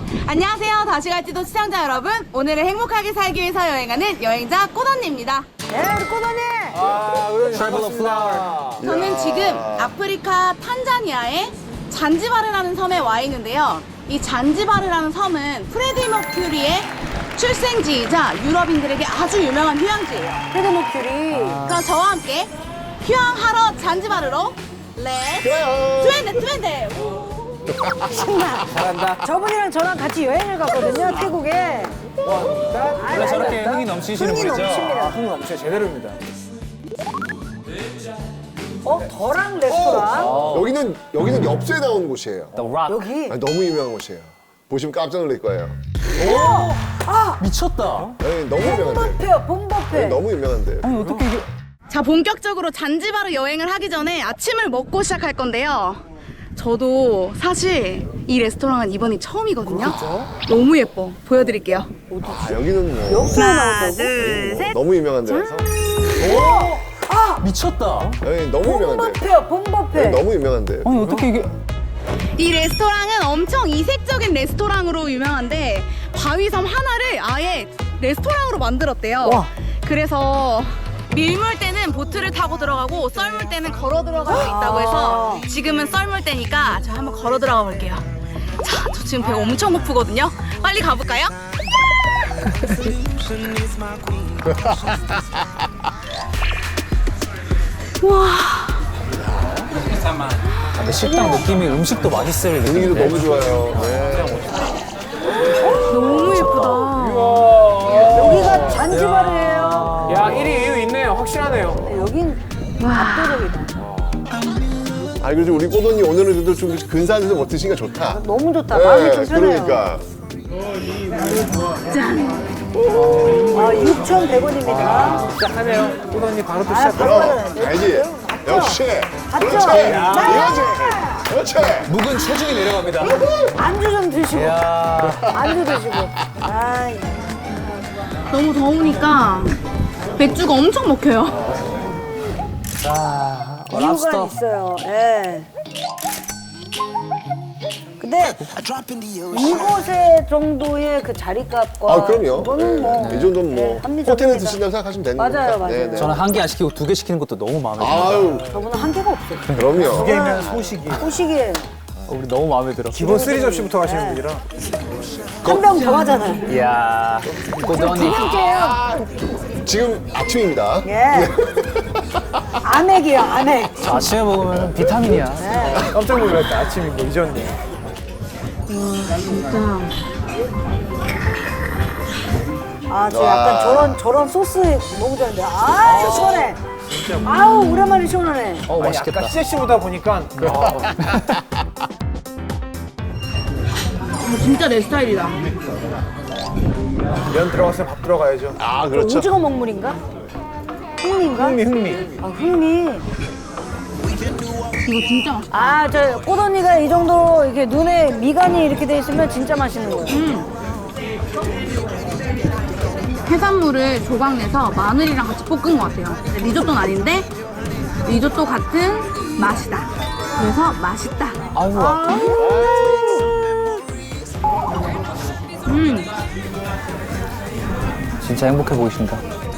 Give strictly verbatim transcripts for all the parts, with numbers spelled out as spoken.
안녕하세요. 다시 갈지도 시청자 여러분. 오늘은 행복하게 살기 위해서 여행하는 여행자 꽃언니입니다. 네, 우리 꽃언니. 아, 우리 반갑습니다. 저는 지금 아프리카 탄자니아의 잔지바르라는 섬에 와 있는데요. 이 잔지바르라는 섬은 프레디 머큐리의 출생지이자 유럽인들에게 아주 유명한 휴양지예요. 프레디 머큐리. 그럼 저와 함께 휴양하러 잔지바르로 렛츠 트웬데 트웬데. 신나. 잘한다. 저분이랑 저랑 같이 여행을 갔거든요, 태국에. 원래 저렇게 흥이 넘치시는 흥이 분이죠? 넘칩니다. 아, 흥 넘쳐 제대로입니다. 어, 더랑 레스토랑. 여기는 여기는 엽서에 나오는 곳이에요. The Rock. 여기. 아니, 너무 유명한 곳이에요. 보시면 깜짝 놀랄 거예요. 미쳤다. 아니, 너무 유명한데. 봄버페요, 봄버페. 너무 유명한데. 아니, 어떻게 이게. 자, 본격적으로 잔지바르 여행을 하기 전에 아침을 먹고 시작할 건데요. 저도 사실 이 레스토랑은 이번이 처음이거든요. 너무 예뻐. 보여드릴게요. 아, 여기는 뭐 엽서에 하나, 나온다고? 둘, 셋. 너무 유명한 데라서. 미쳤다. 아니, 너무 유명한데. 봄버페요, 봄버페. 아니, 너무 유명한데. 아니, 어떻게 이게. 이 레스토랑은 엄청 이색적인 레스토랑으로 유명한데 바위섬 하나를 아예 레스토랑으로 만들었대요. 와. 그래서 밀물 때는 보트를 타고 들어가고 썰물 때는 걸어 들어갈 수 있다고 해서 지금은 썰물 때니까 저 한번 걸어 들어가 볼게요. 자, 저 지금 배가 엄청 고프거든요. 빨리 가볼까요? 와, 근데 식당 느낌이 음식도 맛있을 분위기도 느낌인데. 너무 좋아요. 네. 너무 예쁘다. 여기가 잔지바르예요. 야, 일 위 이유 있네요. 확실하네요. 네, 여긴 압도적이다. 아니, 그래도 우리 꼬돈이 오늘은 그래도 좀 근사해서 뭐 드시니까 좋다. 너무 좋다. 마음이 좀 편해요. 그러니까. 짠. 아, 육천백 원입니다. 시작하네요. 꽃 언니 바로 또 아, 시작. 바로 받아야 돼. 알지? 역시. 맞죠? 그렇지. 야. 이거지. 그렇지. 묵은 체중이 내려갑니다. 안주 좀 드시고. 이야. 안주 드시고. 아, 너무 더우니까 맥주가 엄청 먹혀요. 아, 이유가 랍스터. 있어요. 예. 근데 이곳의 정도의 그 자리값과 아, 그럼요. 이거는 뭐 이 정도는 뭐 네, 합리적입니다. 호텔에 드신다고 생각하시면 되는 거니까. 맞아요, 맞아요. 네, 네. 저는 한 개 안 시키고 두 개 시키는 것도 너무 마음에 들어요. 아유, 저분은 한계가 없어요. 그럼요. 개면 소식이. 소식이에요. 우리 너무 마음에 들어. 기본 쓰리 접시부터 가시는 분이라. 한 병 더 하잖아요. 이야. 꽃 언니. 지금 아침입니다. 예. 아맥이요, 아맥. 저 아침에 먹으면 비타민이야. 깜짝 놀랐다. 아침이 뭐 잊었네. 아, 저 약간 저런 저런 소스 너무 좋아하는데. 아, 시원해. 아우, 오랜만에 시원하네. 어, 맛있겠다. 아까 씨씨보다 보니까 어, 진짜 내 스타일이다. 면 들어갔으면 밥 들어가야죠. 아, 그렇죠. 오징어 먹물인가? 흥미인가? 흥미 흥미. 아, 흥미. 이거 진짜 맛있다. 아, 저 꽃언니가 이 정도 이렇게 눈에 미간이 이렇게 돼 있으면 진짜 맛있는 거예요. 해산물을 조각 내서 마늘이랑 같이 볶은 것 같아요. 리조또는 아닌데 리조또 같은 맛이다. 그래서 맛있다. 아유, 음, 진짜 행복해 보이신다.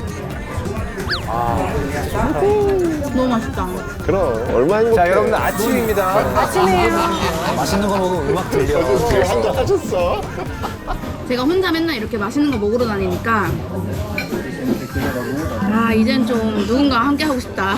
너무 맛있다. 그럼 얼마 행복해. 자, 여러분들 아침입니다. 아침이에요. 맛있는 거 먹으면 음악 들려. 되게 한잔 하셨어. 제가 혼자 맨날 이렇게 맛있는 거 먹으러 다니니까 아, 이젠 좀 누군가와 함께 하고 싶다.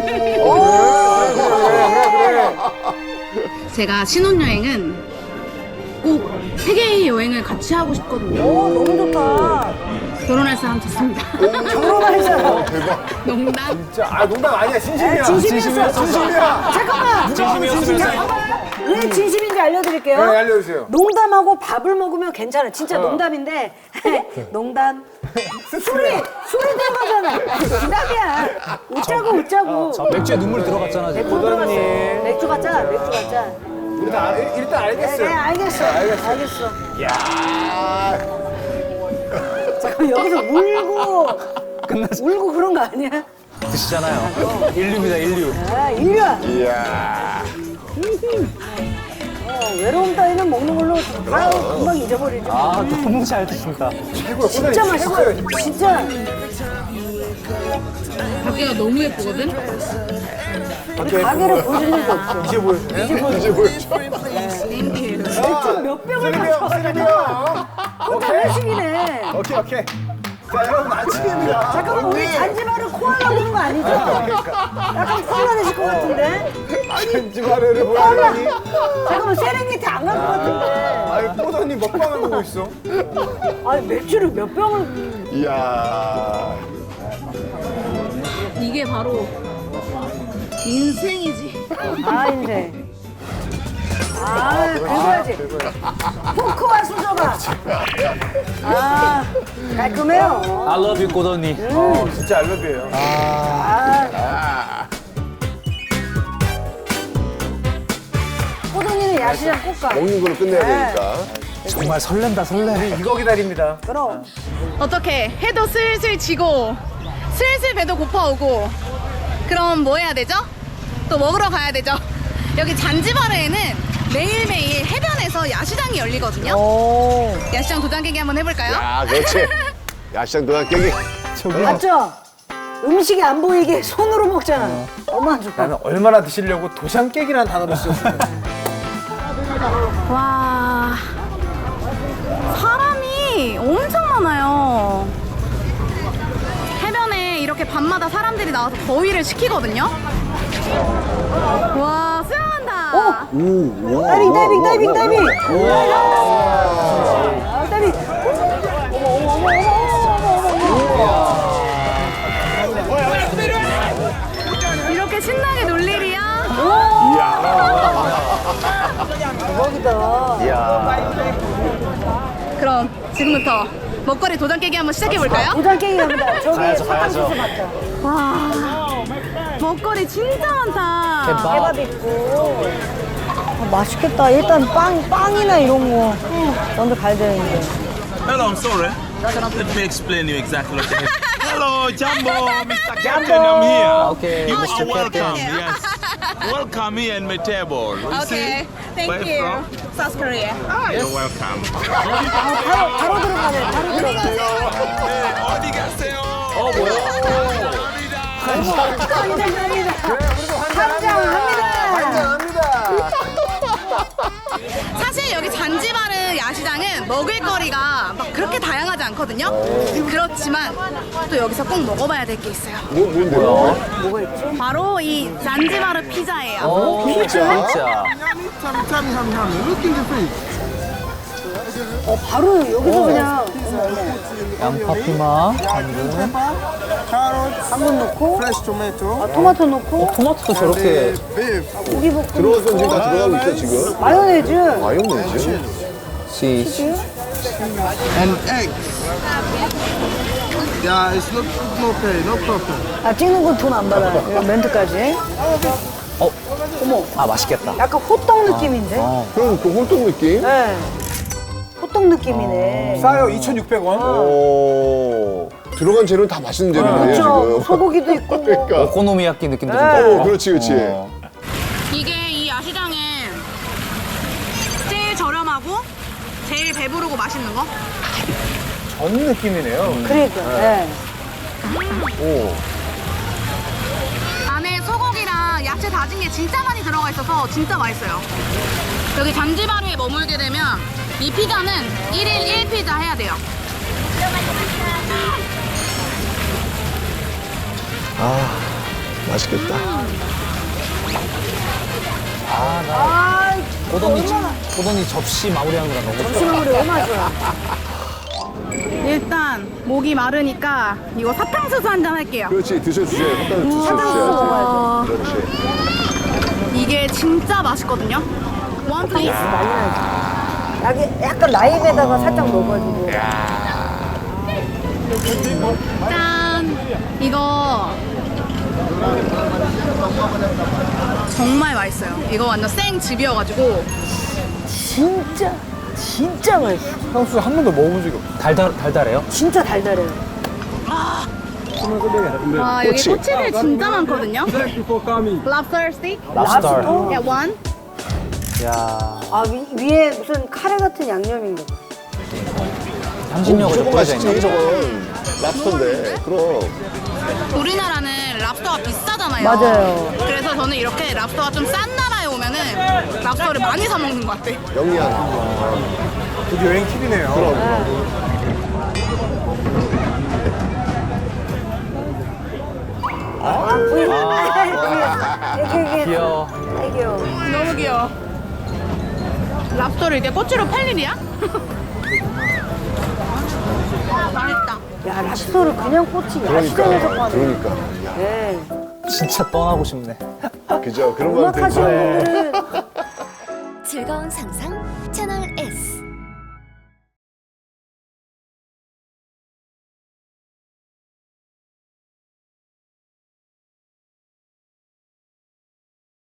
제가 신혼여행은 꼭 세계의 여행을 같이 하고 싶거든요. 오, 너무 좋다. 결혼할 사람 찾습니다. 결혼할 사람. 대박. 농담. 자, 아 농담 아니야. 진심이야. 진심이었어. 진심이야. 잠깐만. 진심이었으면서. 왜 진심인지 알려드릴게요. 네, 알려주세요. 농담하고 밥을 먹으면 괜찮아. 진짜 농담인데 농담. 술이 술이 들어가잖아. 농담이야. 웃자고 웃자고. 자, 맥주에 눈물 들어갔잖아, 지금. 맥주 들어갔어. 맥주 갖자. 맥주 갖자. 우리 다 알- 일단 네, 알겠어요. 네, 알겠어. 알겠어. 야. 잠깐 여기서 울고 끝났어. 울고 그런 거 아니야? 드시잖아요. 인류입니다, 인류. 아, 인류야. 이야. 외로움 따위는 먹는 걸로 다 금방 잊어버리죠. 아, 너무 잘 드신다. 최고야. 진짜 맛있어요. 진짜. 밖에가 너무 예쁘거든? 우리 가게를 보여줄 일도 없어. 이제 보여주네. 이제 보여줘. 몇 병을 쓰리병, 마셔. 쓰리병. 혼자 회식이네. 오케이, 오케이. 자, 여러분, 아침입니다. 잠깐만, 우리 잔지바를 코알라 보는 거 아니죠? 약간 코알라 되실 것 같은데? 잔지바르를 보여주다니. 잠깐만, 세렝게티 안 갈 것 같은데? 아니, 꼬더니 먹방을 보고 있어. 아니, 맥주를 몇 병을. 이야. 이게 바로 인생이지. 아, 이제. 아, 긁어야지. 포크와 수저가. 아, 깔끔해요. I love you, 고더니. 어, 진짜 알러뷰예요. 아. 호동이는 야시장 꼭 가. 먹는 걸로 끝내야 되니까. 정말 설렌다, 설레. 이거 기다립니다. 그럼. 어떻게 해도 슬슬 지고 슬슬 배도 고파오고 그럼 뭐 해야 되죠? 또 먹으러 가야 되죠. 여기 잔지바르에는 매일매일 해변에서 야시장이 열리거든요. 오. 야시장 도장 깨기 한번 해볼까요? 아, 그렇지. 야시장 도장 깨기. 맞죠? 음식이 안 보이게 손으로 먹잖아. 얼마나 좋다. 나는 얼마나 드시려고 도장 깨기라는 단어를 썼어. 와, 사람이 엄청 많아요. 해변에 이렇게 밤마다 사람들이 나와서 더위를 식히거든요. 와, 수영한다. 오, 와. 다이빙, 다이빙, 다이빙, 다이빙. 우와. 아, 다이빙. 어머, 어머, 어머, 어머, 어머, 어머, 어머. 이렇게 신나게 놀 일이야? 대박이다. 그럼 지금부터 먹거리 도장 깨기 한번 시작해 볼까요? 도장 깨기 갑니다. 저기 가야죠, 사탕수수 가야죠. 맞다. 와, 먹거리 진짜 많다. 대박. 케밥 있고. 아, 맛있겠다. 일단 빵, 빵이나 이런 거 먼저 가야 되는데. Hello, I'm sorry. Let me explain you exactly what it is. Hello, Jumbo, Mister Captain, I'm here. Okay, You Mister are welcome. Captain. Yes, welcome here in my table. You Okay, see? thank Where you. from? South Korea. Ah, you're welcome. 바로, 바로 들어가네. 바로 들어가네. Hey, 어디 가세요? 어, 뭐야? 감사합니다. 감사합니다. 환장합니다. 사실 여기 잔지바르 야시장은 먹을거리가 막 그렇게 다양하지 않거든요. 그렇지만 또 여기서 꼭 먹어봐야 될 게 있어요. 뭐, 뭔데요? 뭐가 있지? 바로 이 잔지바르 피자예요. 어, 피자? 진짜. 어, 바로 여기서 그냥 양파 피망, 당근. 당근 넣고, fresh tomato, 아, 토마토 넣고, 토마토도 저렇게. beef, 고기 볶음, 들어가서 지금 다 들어가고 있어, 지금. 마요네즈, 마요네즈. 치즈. and eggs. Yeah, it's not no pay, no problem. 아, 찍는 건 돈 안 받아요. 이거 멘트까지. 어, 어머, 아, 맛있겠다. 약간 호떡 느낌인데? 어. 그럼 그 홀떡 느낌? 네. 호떡 느낌이네. 싸요, 이천육백 원. 오. 들어간 재료는 다 맛있는 재료네요, 그렇죠. 지금. 소고기도 있고. 뭐. 그러니까. 오코노미야끼 느낌도 좀 네. 나고. 오, 그렇지, 그렇지. 어. 이게 이 야시장에 제일 저렴하고 제일 배부르고 맛있는 거? 전 느낌이네요. 그러니까. 네. 오. 안에 소고기랑 야채 다진 게 진짜 많이 들어가 있어서 진짜 맛있어요. 여기 잔지바르에 머물게 되면 이 피자는 일 일 일 피자 해야 돼요. 아, 맛있겠다. 아, 고더니, 고더니 접시 마무리하는 거랑 너무 좋다. 지금 우리 얼마 좋아. 일단 목이 마르니까 이거 사탕수수 한 잔 할게요. 그렇지, 드셔주세요. 일단 사탕수수 드셔주셔야지. 먹어야죠. 그렇지. 이게 진짜 맛있거든요. 원 플레이스. 약간, 약간 라임에다가 살짝 넣어가지고. 짠! 이거 정말 맛있어요. 이거 완전 생즙이어가지고 진짜, 진짜 맛있어. 향수 한 번도 먹어본 적이 없어. 달달, 달달해요? 진짜 달달해요. 와 여기 꼬치. 꼬치들 진짜 많거든요. Lobster stick. 랍스터. Yeah, one. 야 아, 위, 위에 무슨 카레 같은 양념인가 봐. 향신료가 좀 저거 뿌려져 맛있지, 있는. 저건. 랍스터인데. 그럼. 우리나라는 랍스터가 비싸잖아요. 맞아요. 그래서 저는 이렇게 랍스터가 좀 싼 나라에 오면은 랍스터를 많이 사 먹는 것 같아. 영리한. 그게 여행 팁이네요. 그럼, 그럼. 아, 부인. 이게, 이게. 귀여워. 아이, 귀여워. 너무 귀여워. 랍스터를 이렇게 꼬치로 팔 일이야? 맛있다. 야, 랍스터를 그냥 꽂히 야시장에서 그러니까. 파네. 그러니까. 야, 네. 진짜 떠나고 싶네. 그죠. 그런 거 음악 하시는 되게. 분들은 즐거운 상상 채널 S.